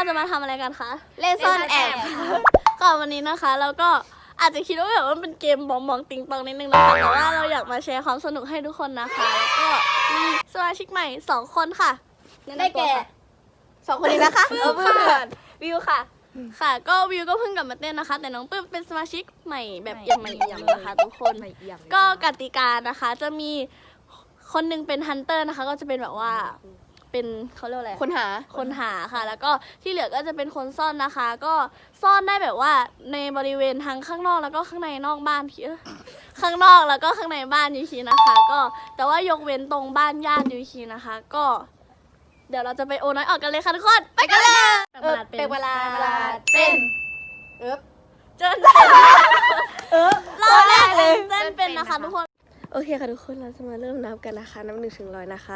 เราจะมาทำอะไรกันคะเล่นซ่อนแอบก่อนวันนี้นะคะแล้วก็อาจจะคิดว่าแบบว่าเป็นเกมบองติงตองนิดนึงนะคะแต่ว่าเราอยากมาแชร์ความสนุกให้ทุกคนนะคะแล้วก็มีสมาชิกใหม่2คนค่ะได้แก่2คนนี้นะคะเพื่อนวิวค่ะค่ะก็วิวก็เพิ่งกลับมาเต้นนะคะแต่น้องปื้มเป็นสมาชิกใหม่แบบยังใหม่นะคะทุกคนก็กติกานะคะจะมีคนนึงเป็นฮันเตอร์นะคะก็จะเป็นแบบว่าเป็นเขาเรียกอะไรคนหาค่ะแล้วก็ที่เหลือก็จะเป็นคนซ่อนนะคะก็ซ่อนได้แบบว่าในบริเวณทั้งข้างนอกแล้วก็ข้างในนอกบ้านข้างนอกแล้วก็ข้างในบ้านยูคีนะคะก็แต่ว่ายกเว้นตรงบ้านญาติยูคีนะคะก็เดี๋ยวเราจะไปโอน้อยออกกันเลยค่ะทุกคนไปกันเลยเป็นเวลาเป็นเจิ้นรอบแรกเลยเจิ้นเป็นนะคะทุกคนโอเคค่ะทุกคนเราจะมาเริ่มนับกันนะคะนับ1 ถึง 100นะคะ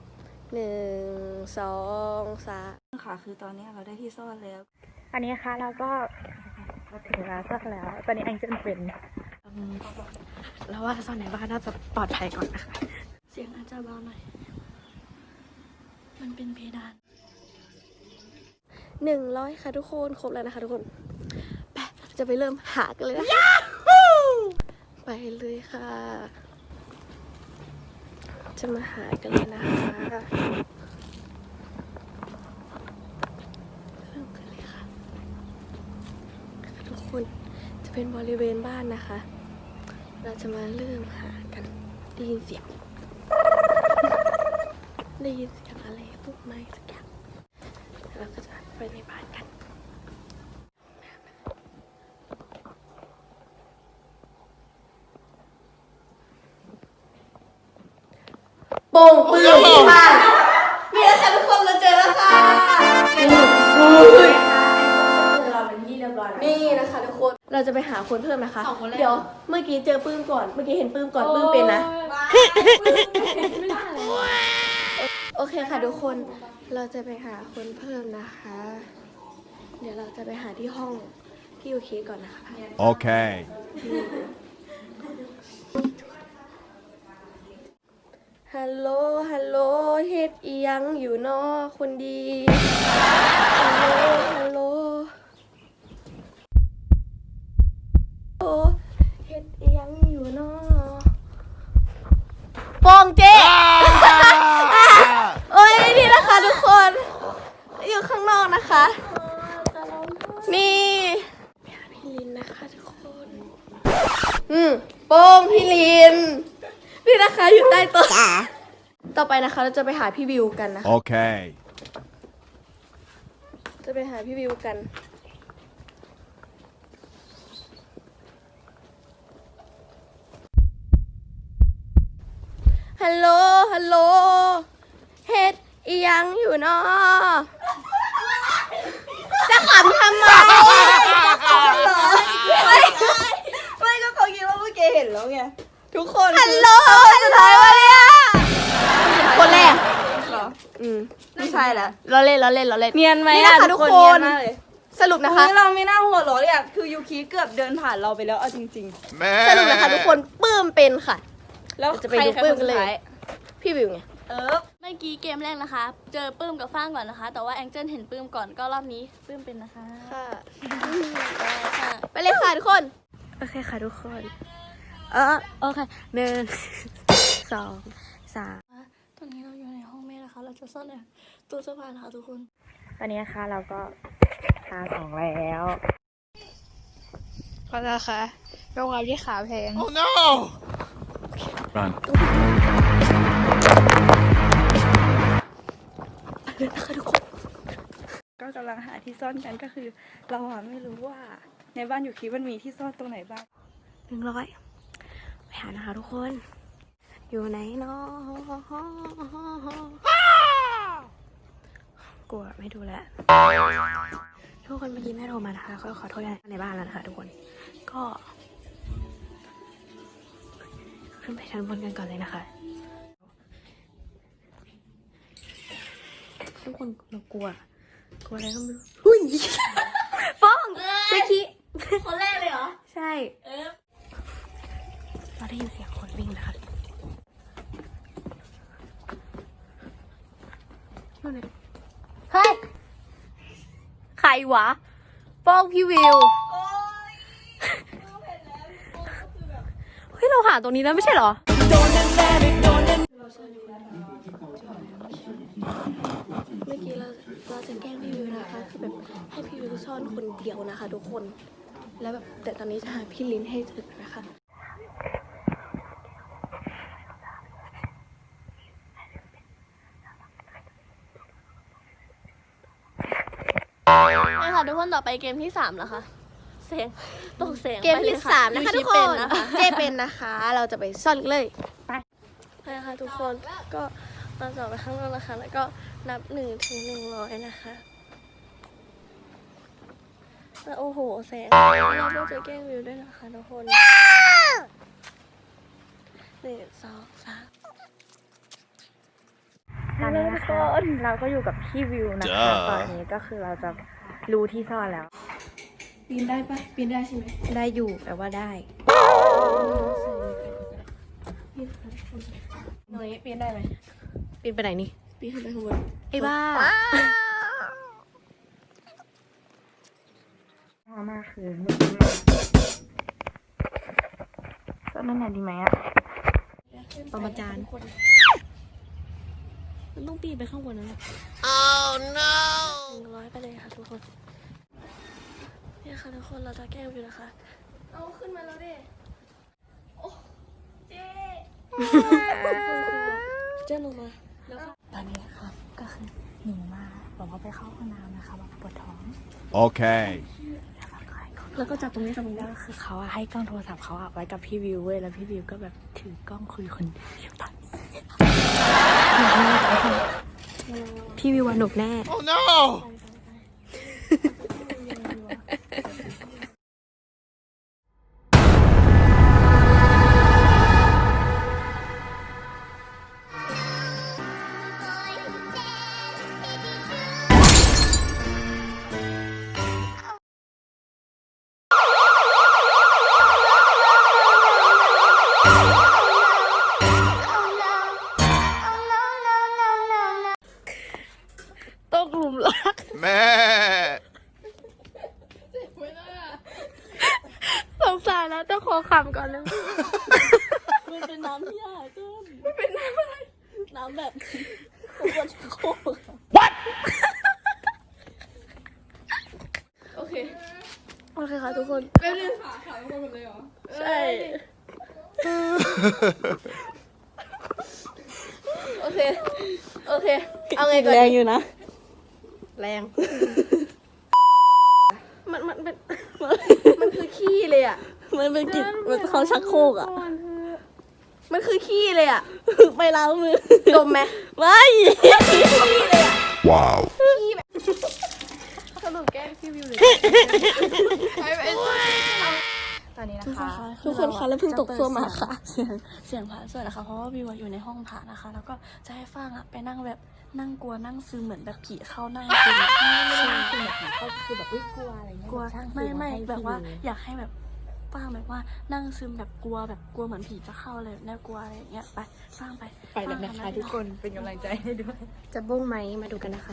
1 2 3 ค่ะคือตอนนี้เราได้ที่ซ่อนแล้วอันนี้ค่ะเราก็ถึงเวลาซ่อนแล้วตอนนี้แองเจิลเป็นแล้วว่าซ่อนไหนบ้างน่าจะปลอดภัยก่อนนะคะเสียงอาจจะเบาหน่อยมันเป็นเพดาน100ค่ะทุกคนครบแล้วนะคะทุกคนไปจะไปเริ่มหากันเลยนะคะไปเลยค่ะจะมาหากันเลยนะคะเริ่มกันเลยค่ะทุกคนจะเป็นบริเวณบ้านนะคะเราจะมาเริ่มหากันได้ยินเสียงอะไรพวกไม้สักอย่างเราก็จะไปในบ้านกันโป่งปืนค่ะมีแล้วค่ะทุกคนเราเจอแล้วค่ะเราเป็นที่เรียบร้อยนี่นะคะทุกคนเราจะไปหาคนเพิ่มนะคะเดี๋ยวเมื่อกี้เจอปื้มก่อนเมื่อกี้เห็นปื้มก่อนปื้มเป็นนะไม่ได้โอเคค่ะทุกคนเราจะไปหาคนเพิ่มนะคะเดี๋ยวเราจะไปหาที่ห้องที่ยูคีก่อนนะคะโอเคฮัลโหลเฮ็ดอียังอยู่นอคนดีฮัลโหลเฮ็ดอียังอยู่นอปองเจ๊โอ้ยนี่นะคะทุกคนอยู่ข้างนอกนะคะนี่พี่ลินนะคะทุกคนโป้งพี่ลินนี่นะคะอยู่ใต้โต๊ะต่อไปนะคะเราจะไปหาพี่วิวกันนะคะโอเคจะไปหาพี่วิวกันฮัลโหลเฮ็ดอียังอยู่เนาะจะขำทำไมไม่ก็เขาคิดว่าเมื่อกี้เห็นแล้วไงทุกคนฮัลโหลสุดท้ายวะเนี่ยคนแรกไม่ใช่แล้วเราเล่นเนียนไหมนี่นะคะทุกคนสรุปนะคะเราไม่น่าหัวเราะเลยอ่ะคือยูคิเกือบเดินผ่านเราไปแล้วเอาจริงๆสรุปนะคะทุกคนปื้มเป็นค่ะแล้วจะไปดูปื้มกันเลยพี่วิวไงเมื่อกี้เกมแรกนะคะเจอปื้มกับฟ้างก่อนนะคะแต่ว่าแองเจิลเห็นปื้มก่อนก็รอบนี้ปื้มเป็นนะคะค่ะไปเลยค่ะทุกคนโอเคค่ะทุกคนโอเค1 2 3ตอนนี้เราอยู่ในห้องแม่นะคะเราจะซ่อนในตู้เสื้อผ้านะคะทุกคนตอนนี้นะคะเราก็หาของแล้วก็นะคะยกความที่ขาแพง Oh no Run นะคะทุกคนก็กำลังหาที่ซ่อนกันก็คือเราไม่รู้ว่าในบ้านยูคิมันมีที่ซ่อนตรงไหนบ้าง 100ไปหานะคะทุกคนอยู่ไหนเนาะกลัวไม่ดูแล้วทุกคนเมื่อกี้แม่โทรมานะคะก็ขอโทษในบ้านแล้วนะคะทุกคนก็ขึ้นไปชั้นบนกันก่อนเลยนะคะทุกคนเรากลัวอะไรก็ไม่รู้หุ้ยป้องเจ๊คิคนแรกเลยเหรอใช่เราได้ยินเสียงคนวิ่งนะคะเฮ้ยวะฟ้องพี่วิวเฮ้ยเราหาตรงนี้แล้วไม่ใช่เหรอเมื่อกี้เราจะแกล้งพี่วิวนะคะคือแบบให้พี่วิวซ่อนคนเดียวนะคะ ทุกคนแล้วแบบแต่ตอนนี้จะหาพี่ลิ้นให้ถึงนะคะนี่ค่ะทุกคนต่อไปเกมที่3แล้วค่ะเสียงตกเสียงเกมที่3นะคะทุกคนเจเป็นนะคะ เราจะไปซ่อนเลยไปใช่ค่ะทุกคนก็เราจะออกไปข้างนอกนะคะ แล้วก็นับ1 ถึง 100นะคะแล้วโอ้โหแสงเราก็จะแกล้งวิวด้วยนะคะทุกคน1 2 3 ตอนนี้นะคะเราก็อยู่กับพี่วิวนะคะ ตอนนี้ก็คือเราจะรู้ที่ซ่อนแล้วปีนได้ปะปีนได้ใช่ไหมได้อยู่แปลว่าได้หน่อยปีนได้ไหมปีนไปไหนนี่ปีนขึ้นไปข้างบนไอ้บ้าพอมากคือไม่ดีมากซ่อนนั่นไหนดีไหมอะประมาจารย์มันต้องปีนไปข้างบนนั่นแหละ 100ไปเลยค่ะทุกคนเนี่ยค่ะทุกคนเราจะแกล้งวิวนะคะ เอาขึ้นมาแล้วดิโอ้เจ๊เจ๊ลงมาแล้วก็ตอนนี้นะคะก็คือหนูมาบอกว่าไปเข้าห้องน้ำนะคะบอกปวดท้อง Okay. แล้วก็จับตรงนี้ตรงนี้แล้วก็คือเขาอะให้กล้องโทรศัพท์เขาอะไว้กับพี่วิวเว้ยแล้วพี่วิวก็แบบถือกล้องคุยคนเดียวตอนนี้พี่วิวหนุกแน่ Oh no! ตกหลุมรัก Man. สงสารแล้วต้องขอคำก่อนนะมันเป็นน้ำที่ยากเกินมันเป็นน้ำอะไร น้ำแบบควรจะโคก What โอเคค่ะทุกคนเป็นขาทุกคนหมดเลยเหรอ ใช่ โอเค เอาไงก่อนแรงอยู่นะแรงมันเป็นมันคือขี้เลยอ่ะมันเป็นกลิ่นมันเขาชักโครกอ่ะมันคือขี้เลยอ่ะไปล้างมือดมไหมไม่ Wow. สรุปแกล้งพี่วิวเลยตอนนี้นะคะทุกคนคะแล้วเพิ่งตกส้วมมาค่ะ เสียงพระสวดนะคะ เพราะว่าวิวอยู่ในห้องพระนะคะ แล้วก็จะให้ฟางอะไปนั่งแบบนั่งกลัวนั่งซึมเหมือนแบบผีเข้านั่งซึมคือแบบเขาคือแบบกลัวอะไรเงี้ยกลัวไม่แบบว่าอยากให้แบบฟางแบบว่านั่งซึมแบบกลัวเหมือนผีจะเข้าเลยน่ากลัวอะไรอย่างเงี้ยไปฟางไปไปเลยนะคะทุกคนเป็นกำลังใจให้ด้วยจะบ้งไหมมาดูกันนะคะ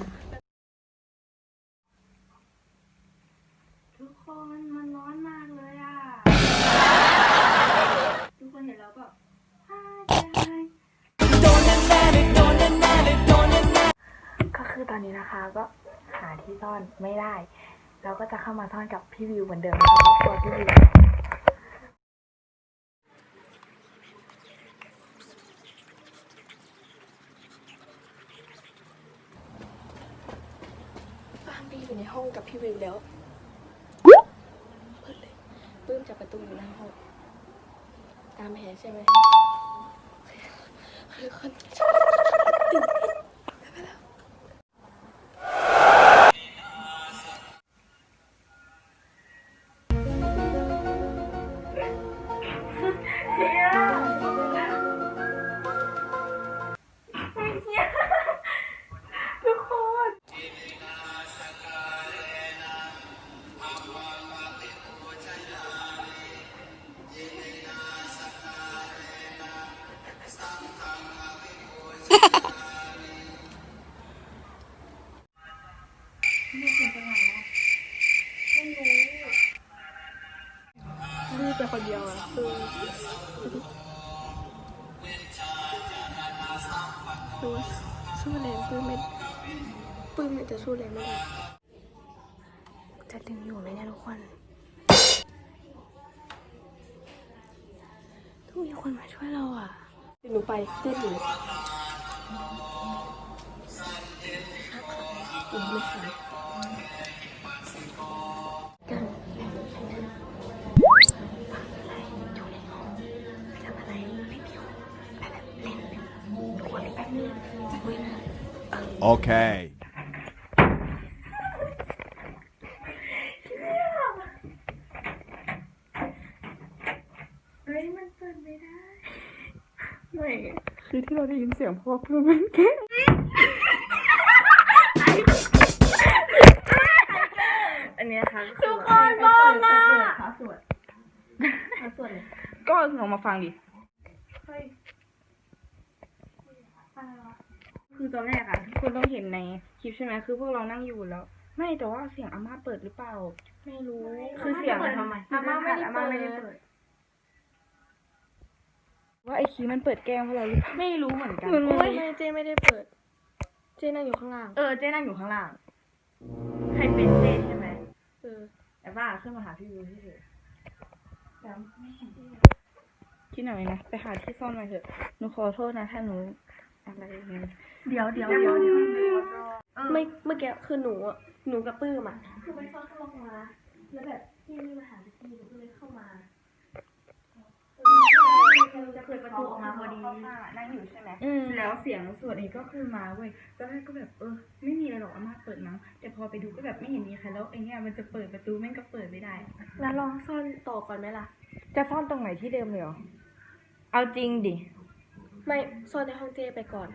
ทุกคนมันร้อนมากเลยอ่ะ ทุกคนเห็นแล้วแบบก็คือตอนนี้นะคะก็หาที่ซ่อนไม่ได้ เราก็จะเข้ามาซ่อนกับพี่วิวเหมือนเดิมนะคะเพราะตัวพี่วิวฟางไปอยู่ในห้องกับพี่วิวแล้วเปิดเลยปื้มจับประตูอยู่หน้าห้องตามแผนใช่ไหมทุกคนแต่คนเดียวอะดูสู้แรงปื้มไม่จะสู้แรงไม่ได้จะดึงอยู่ไหมเนี่ยทุกคนต้องมีคนมาช่วยเราอ่ะหนูไปเต้นอยู่ไม่ทันกันทำอะไรไม่มีคนแบบเล่นทุกคนแป๊บนึงคุยนะ Okay. ไม่คือที่เราได้ยินเสียงเพราะว่าเพื่อนมันแกล้งอันนี้นะคะทุกคนมองนะขาสวดเลยก็ลองมาฟังดิคือตอนแรกอะทุกคนต้องเห็นในคลิปใช่ไหมคือพวกเรานั่งอยู่แล้ว ไม่แต่ว่าเสียงอาม่าเปิดหรือเปล่าไม่รู้คือเสียงทำไมอาม่าไม่ได้เปิดว่าไอคีมันเปิดแก้มเพราะเราหรือเปล่าไม่รู้เหมือนกันไม่เจไม่ได้เปิดเจนั่งอยู่ข้างล่างเจ๊นั่งอยู่ข้างล่างใครเป็นเจ๊ใช่ไหม แต่ว่าขึ้นมาหาพี่วิวที่เถอะคิดหน่อยนะไปหาที่ซ่อนมาเถอะหนูขอโทษนะถ้าหนูอะไรอย่างเงี้ยเดี๋ยวไม่เมื่อกี้คือหนูกับปื้มอ่ะคือไปซ่อนข้างนอกมาแล้วแบบพี่ไม่มาหาพี่หนูก็เลยเข้ามาจะเปิดประตูออกมาพอดีนั่งอยู่ใช่ไหมแล้วเสียงสวดนี้ก็คือมาเว้ยตอนแรกก็แบบไม่มีอะไรหรอกอาม่าเปิดมั้งแต่พอไปดูก็แบบไม่เห็นมีใครแล้วไอ้เนี้ยมันจะเปิดประตูแม่งก็เปิดไม่ได้แล้วลองซ่อนต่อก่อนไหมล่ะจะซ่อนตรงไหนที่เดิมเลยเหรอเอาจริงดิไม่ซ่อนในห้องเจไปก่อน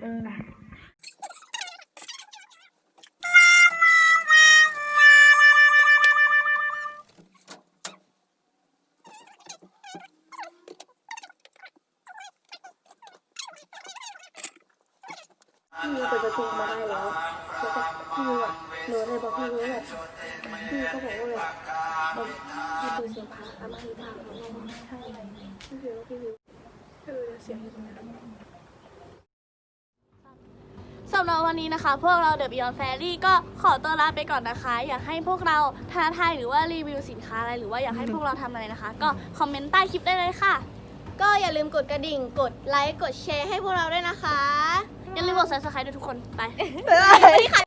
พี่เปิดประตูมาได้แล้วแล้วก็พี่อ่ะหนูเลยบอกพี่ว่าแบบพี่ก็บอกว่าแบบพี่เปิดเสียงพาอามาหรือเปล่าใช่พี่วิวเสียงอยู่ตรงนั้นสำหรับวันนี้นะคะพวกเรา The Beyond Fairy ก็ขอตัวลาไปก่อนนะคะ อยากให้พวกเราท้าทายหรือว่ารีวิวสินค้าอะไรหรือว่าอยากให้พวกเราทำอะไรนะคะ ก็คอมเมนต์ใต้คลิปได้เลยค่ะก็อย่าลืมกดกระดิ่งกดไลค์กดแชร์ให้พวกเราด้วยนะคะอย่าลืมกด Subscribe ด้วยทุกคนไป